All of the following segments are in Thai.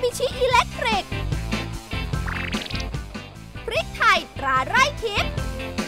มิชิอิเล็กทริกพริกไทยตราไร่ทิพย์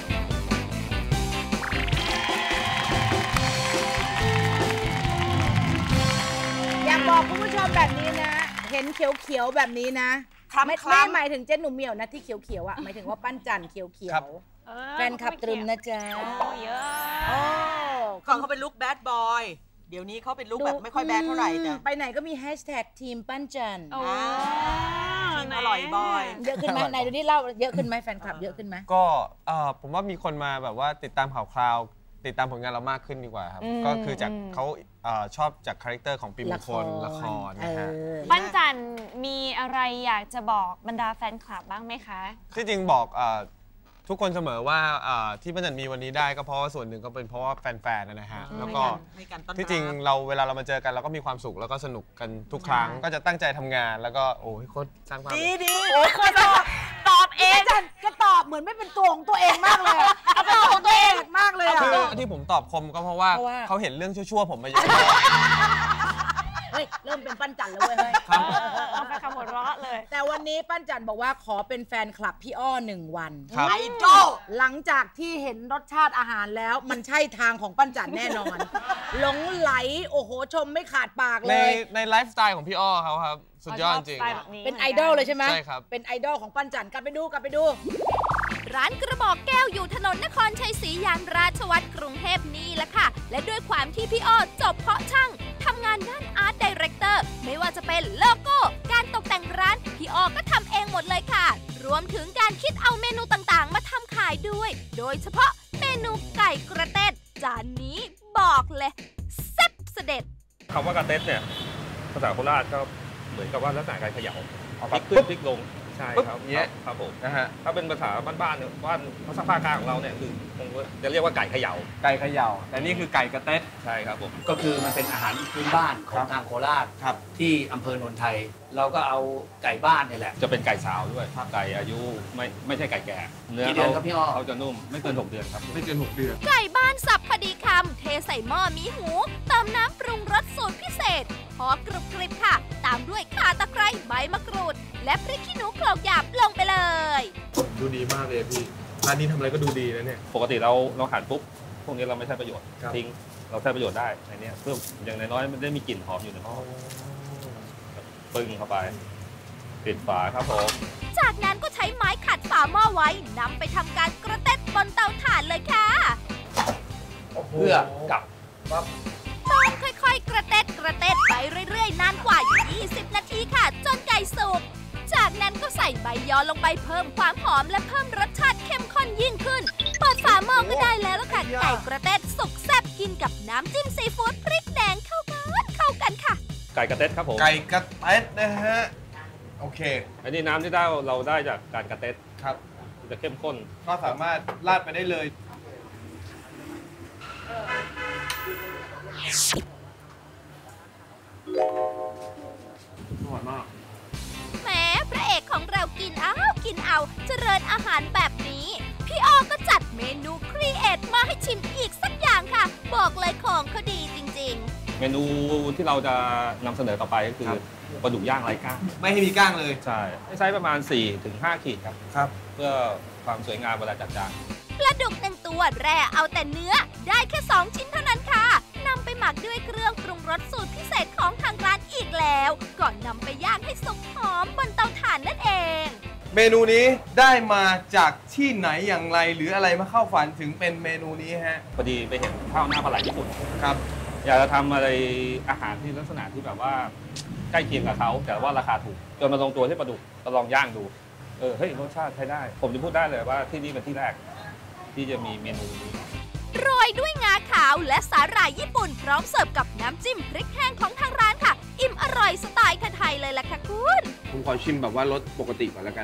อยากบอกคุณผู้ชมแบบนี้นะเห็นเขียวๆแบบนี้นะไม่หมายถึงเจ๊หนุ่มเหมียวนะที่เขียวๆอ่ะหมายถึงว่าปั้นจันเขียวๆแฟนคลับตรึมนะจ๊ะเยอะก่อนเขาเป็นลุคแบดบอยเดี๋ยวนี้เขาเป็นลุคแบบไม่ค่อยแบดเท่าไหร่จ้ะไปไหนก็มีแฮชแท็กทีมปั้นจันทีมอร่อยบอยเยอะขึ้นไหมไหนดูนี่เล่าเยอะขึ้นไหมแฟนคลับเยอะขึ้นไหมก็ผมว่ามีคนมาแบบว่าติดตามข่าวคราวติดตามผลงานเรามากขึ้นดีกว่าครับก็คือจากเขาชอบจากคาแรคเตอร์ของปีมงคลละครนะฮะปั้นจันมีอะไรอยากจะบอกบรรดาแฟนคลับบ้างไหมคะที่จริงบอกทุกคนเสมอว่าที่ปั้นจันมีวันนี้ได้ก็เพราะว่าส่วนหนึ่งก็เป็นเพราะว่าแฟนๆนะฮะแล้วก็ที่จริงเวลาเรามาเจอกันเราก็มีความสุขแล้วก็สนุกกันทุกครั้งก็จะตั้งใจทำงานแล้วก็โอ้ยโคตรสร้างภาพดีโอ้ยโคตรตอบเองก็ตอบเหมือนไม่เป็นตัวของตัวเองมากเลยเอาเป็นตัวของตัวเองมากเลยที่ผมตอบคมก็เพราะว่าเขาเห็นเรื่องชั่วๆผมมาเยอะเฮ้ยเริ่มเป็นปั้นจันแล้วเว้ยเอาไปคำหัวเราะเลยแต่วันนี้ปั้นจันบอกว่าขอเป็นแฟนคลับพี่อ้อ1 วันไอดอลหลังจากที่เห็นรสชาติอาหารแล้วมันใช่ทางของปั้นจันแน่นอนหลงไหลโอ้โหชมไม่ขาดปากเลยในไลฟ์สไตล์ของพี่อ้อเขาครับสุดยอดจริงเป็นไอดอลเลยใช่ไหมใช่ครับเป็นไอดอลของปั้นจันกลับไปดูร้านกระบอกแก้วอยู่ถนนนครชัยศรียานราชวัตรกรุงเทพนี่แหละค่ะและด้วยความที่พี่อ้อจบเพาะช่างทำงานด้านอาร์ตไดเรคเตอร์ไม่ว่าจะเป็นโลโก้การตกแต่งร้านพี่อ้อก็ทำเองหมดเลยค่ะรวมถึงการคิดเอาเมนูต่างๆมาทำขายด้วยโดยเฉพาะเมนูไก่กระเต็ดจานนี้บอกเลยแซ่บเสด็จคำว่ากระเต็ดเนี่ยภาษาโคราชก็เหมือนกับว่าลักษณะการเขย่าพลิกขึ้นพลิกลงใช่ครับครับผมนะฮะถ้าเป็นภาษาบ้านๆเนี่ยบ้านภาษาภาคกลางของเราเนี่ยคือจะเรียกว่าไก่เขย่าแต่นี่คือไก่กระเต็ดใช่ครับผมก็คือมันเป็นอาหารพื้นบ้านของทางโคราชที่อำเภอโนนไทยเราก็เอาไก่บ้านนี่แหละจะเป็นไก่สาวด้วยไก่อายุไม่ใช่ไก่แก่เนื้อเขาจะนุ่มไม่เกิน6 เดือนครับไม่เกิน6 เดือนไก่บ้านสับพอดีคำเทใส่หม้อมีหูเติมน้ำปรุงรสสูตรพิเศษพอกรุบกริบค่ะตามด้วยข่าตะไคร้ใบมะกรูดและพริกขี้หนูโขลกหยาบลงไปเลยดูดีมากเลยพี่ร้านนี้ทำอะไรก็ดูดีนะเนี่ยปกติเราหั่นปุ๊บพวกนี้เราไม่ใช้ประโยชน์ทิ้งเราใช้ประโยชน์ได้ในนี้เพื่ออย่างน้อยๆมันได้มีกลิ่นหอมอยู่ในหม้อปึ้งเข้าไปปิดฝาครับผมจากนั้นก็ใช้ไม้ขัดฝาหม้อไว้นำไปทำการกระเต็ดบนเตาถ่านเลยค่ะเพื่อกับต้องค่อยๆกระเต็ดไปเรื่อยๆนานกว่า20 นาทีค่ะจนไก่สุกจากนั้นก็ใส่ใบยอลงไปเพิ่มความหอมและเพิ่มรสชาติเข้มข้นยิ่งขึ้นเปิดฝาหม้อก็ได้แล้วล่ะค่ะไก่กระเต็ดสุกแซ่บกินกับน้ำจิ้มซีฟู้ดพริกแดงเข้ากันค่ะไก่กระเต็ดครับผมไก่กระเต็ดนะฮะโอเคอันนี้น้ำที่เราได้จากการกระเต็ดครับจะเข้มข้นก็สามารถราดไปได้เลยอร่อยมากแหมพระเอกของเรากินเอาเจริญอาหารแบบนี้พี่อ้อก็จัดเมนูครีเอทมาให้ชิมอีกสักอย่างค่ะบอกเลยของเขาดีจริงๆเมนูที่เราจะนำเสนอต่อไปก็คือปลาดุกย่างไร้ก้างไม่ให้มีก้างเลยใช่ใช้ประมาณ 4-5 ขีดครับเพื่อความสวยงามเวลาจัดจานปลาดุก1 ตัวแร่เอาแต่เนื้อได้แค่2 ชิ้นเท่านั้นค่ะนำไปหมักด้วยเครื่องปรุงรสสูตรพิเศษของทางร้านอีกแล้วก่อนนำไปย่างให้สุกหอมบนเตาถ่านนั่นเองเมนูนี้ได้มาจากที่ไหนอย่างไรหรืออะไรมาเข้าฝันถึงเป็นเมนูนี้ฮะพอดีไปเห็นข้าวหน้าปลาไหลญี่ปุ่นครับอยากจะทำอะไรอาหารที่ลักษณะที่แบบว่าใกล้เคียงกับเขาแต่ว่าราคาถูกจนมาลงตัวที่ปลาดุกก็ลองย่างดูเฮ้ยรสชาติใช้ได้ผมจะพูดได้เลยว่าที่นี่เป็นที่แรกที่จะมีเมนูนี้โรยด้วยงาขาวและสาหร่ายญี่ปุ่นพร้อมเสิร์ฟกับน้ำจิ้มพริกแห้งของทางร้านค่ะอิ่มอร่อยสไตล์ไทยเลยล่ะค่ะคุณผมขอชิมแบบว่ารสปกติก่อนแล้วกัน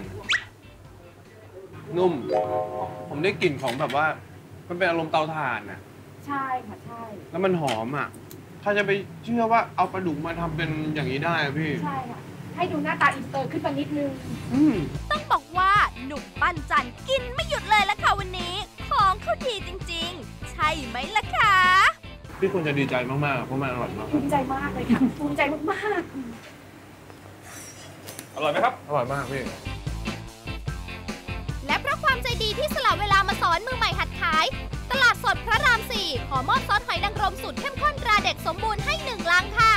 นุ่มผมได้กลิ่นของแบบว่ามันเป็นอารมณ์เตาถ่านนะใช่ค่ะใช่แล้วมันหอมอ่ะถ้าจะไปเชื่อว่าเอาปลาดุกมาทำเป็นอย่างนี้ได้พี่ใช่ค่ะให้ดูหน้าตาอินเตอร์ขึ้นมานิดนึงต้องบอกว่าหนุ่มปั้นจันกินไม่หยุดเลยละค่ะวันนี้ของเขาดีจริงๆใช่ไหมล่ะคะพี่ควรจะดีใจมากๆเพราะมันอร่อยมากภูมิใจมากเลยค่ะภูมิใจมากอร่อยไหมครับอร่อยมากพี่และเพราะความใจดีที่สละเวลามาสอนมือใหม่หัดขายตลาดสดพระราม 4 ขอมอบซอสหอยนางรมสูตรเข้มข้นตราเด็กสมบูรณ์ให้1 ลังค่ะ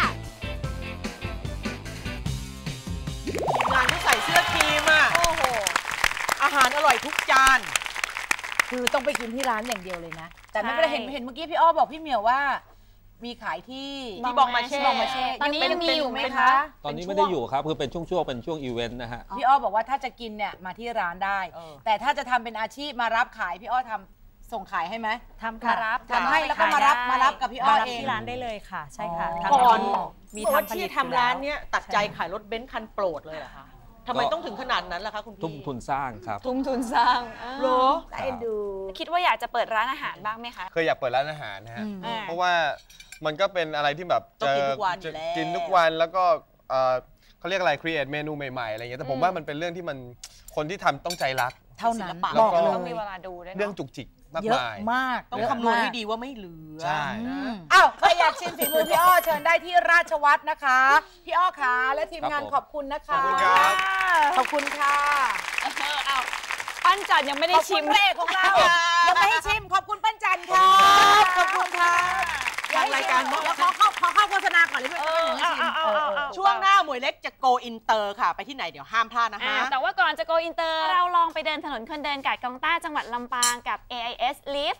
ทีมงานที่ใส่เสื้อครีมอ่ะโอ้โหอาหารอร่อยทุกจานคือต้องไปกินที่ร้านอย่างเดียวเลยนะแต่ไม่ได้เห็นเมื่อกี้พี่อ้อบอกพี่เหมียวว่ามีขายที่บองมาเช่ตอนนี้ยังมีอยู่ไหมคะตอนนี้ไม่ได้อยู่ครับคือเป็นช่วงเป็นช่วงอีเวนต์นะฮะพี่อ้อบอกว่าถ้าจะกินเนี่ยมาที่ร้านได้แต่ถ้าจะทำเป็นอาชีพมารับขายพี่อ้อทำส่งขายให้ไหมทำค่ะทำให้แล้วก็มารับกับพี่อ้อเองที่ร้านได้เลยค่ะใช่ค่ะก่อนมีทำที่ทำร้านเนี้ยตัดใจขายรถเบนซ์คันโปรดเลยเหรอคะทำไมต้องถึงขนาดนั้นล่ะคะคุณพี่ทุ่มทุนสร้างครับทุ่มทุนสร้างโหเอ็นดูคิดว่าอยากจะเปิดร้านอาหารบ้างไหมคะเคยอยากเปิดร้านอาหารนะฮะเพราะว่ามันก็เป็นอะไรที่แบบจะกินทุกวันแล้วก็เขาเรียกอะไรครีเอทเมนูใหม่ๆอะไรเงี้ยแต่ผมว่ามันเป็นเรื่องที่มันคนที่ทำต้องใจรักเท่านั้นบอกเลยต้องมีเวลาดูด้วยเรื่องจุกจิกมากมายมากต้องคำนวณให้ดีว่าไม่เหลือใช่อ้าวใครอยากชิมฝีมือพี่อ้อเชิญได้ที่ราชวัฒน์นะคะพี่อ้อขาและทีมงานขอบคุณนะคะขอบคุณครับขอบคุณค่ะปั้นจันยังไม่ได้ชิมพระเอกของเรายังไม่ให้ชิมขอบคุณปั้นจันค่ะขอบคุณค่ะรายการแล้วขอเข้าโฆษณาก่อนเลยเพื่อนช่วงหน้าหมวยเล็กจะโกอินเตอร์ค่ะไปที่ไหนเดี๋ยวห้ามพลาดนะคะแต่ว่าก่อนจะโกอินเตอร์เราลองไปเดินถนนคนเดินกาดกองต้าจังหวัดลำปางกับ AIS Lift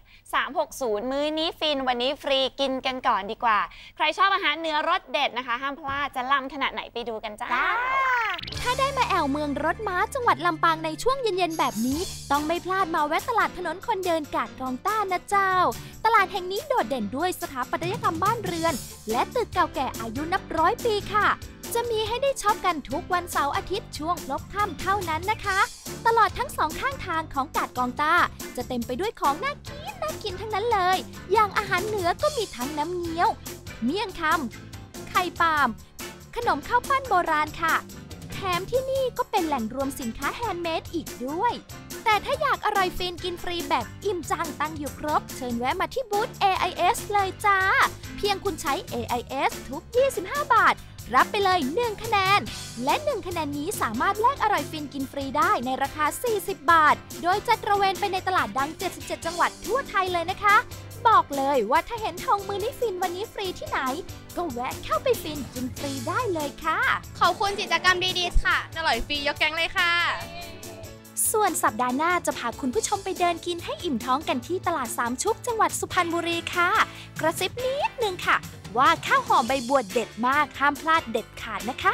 360 มื้อนี้ฟินวันนี้ฟรีกินกันก่อนดีกว่าใครชอบอาหารเนื้อรสเด็ดนะคะห้ามพลาดจะล้ำขนาดไหนไปดูกันจ้าถ้าได้มาแอวเมืองรถม้าจังหวัดลำปางในช่วงเย็นๆแบบนี้ต้องไม่พลาดมาแวะตลาดถนนคนเดินกาดกองต้านะเจ้าตลาดแห่งนี้โดดเด่นด้วยสถาปัตยกรรมบ้านเรือนและตึกเก่าแก่อายุนับ100 ปีค่ะจะมีให้ได้ช็อปกันทุกวันเสาร์อาทิตย์ช่วงพลบค่ำเท่านั้นนะคะตลอดทั้ง2ข้างทางของกาดกองต้าจะเต็มไปด้วยของน่ากินทั้งนั้นเลยอย่างอาหารเหนือก็มีทั้งน้ำเงี้ยวเมี่ยงคำไข่ปาล์มขนมข้าวปั้นโบราณค่ะแถมที่นี่ก็เป็นแหล่งรวมสินค้าแฮนด์เมดอีกด้วยแต่ถ้าอยากอร่อยฟินกินฟรีแบบอิ่มจังตั้งอยู่ครบเชิญแวะมาที่บูธ AIS เลยจ้าเพียงคุณใช้ AIS ทุก25 บาทรับไปเลย1คะแนนและ1คะแนนนี้สามารถแลกอร่อยฟินกินฟรีได้ในราคา40 บาทโดยจะตระเวนไปในตลาดดัง77จังหวัดทั่วไทยเลยนะคะบอกเลยว่าถ้าเห็นทองมือนี้ฟินวันนี้ฟรีที่ไหนก็แวะเข้าไปฟินกินฟรีได้เลยค่ะขอบคุณกิจกรรมดีๆค่ะอร่อยฟรียกแก๊งเลยค่ะส่วนสัปดาห์หน้าจะพาคุณผู้ชมไปเดินกินให้อิ่มท้องกันที่ตลาดสามชุกจังหวัดสุพรรณบุรีค่ะกระซิบนิดนึงค่ะว่าข้าวหอมใบบัวเด็ดมากห้ามพลาดเด็ดขาดนะคะ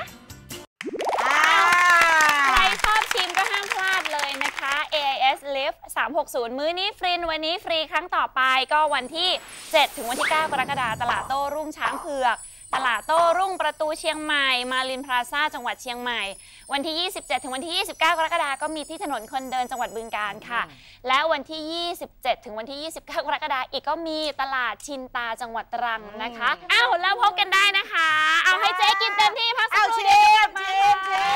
ใครชอบชิมก็ห้ามพลาดเลยนะคะ AIS Lift 360 มื้อนี้ฟรีวันนี้ฟรีครั้งต่อไปก็วันที่7ถึงวันที่9กรกฎาคมตลาดโต้รุ่งช้างเผือกตลาดโต้รุ่งประตูเชียงใหม่มารินพลาซ่าจังหวัดเชียงใหม่วันที่27ถึงวันที่29กรกฎาคมก็มีที่ถนนคนเดินจังหวัดบึงกาฬค่ะและวันที่27ถึงวันที่29กรกฎาคมอีกก็มีตลาดชินตาจังหวัดตรังนะคะอ้าวแล้วพบกันได้นะคะเอาให้เจ๊กินเต็มที่พักสักครู่เดียว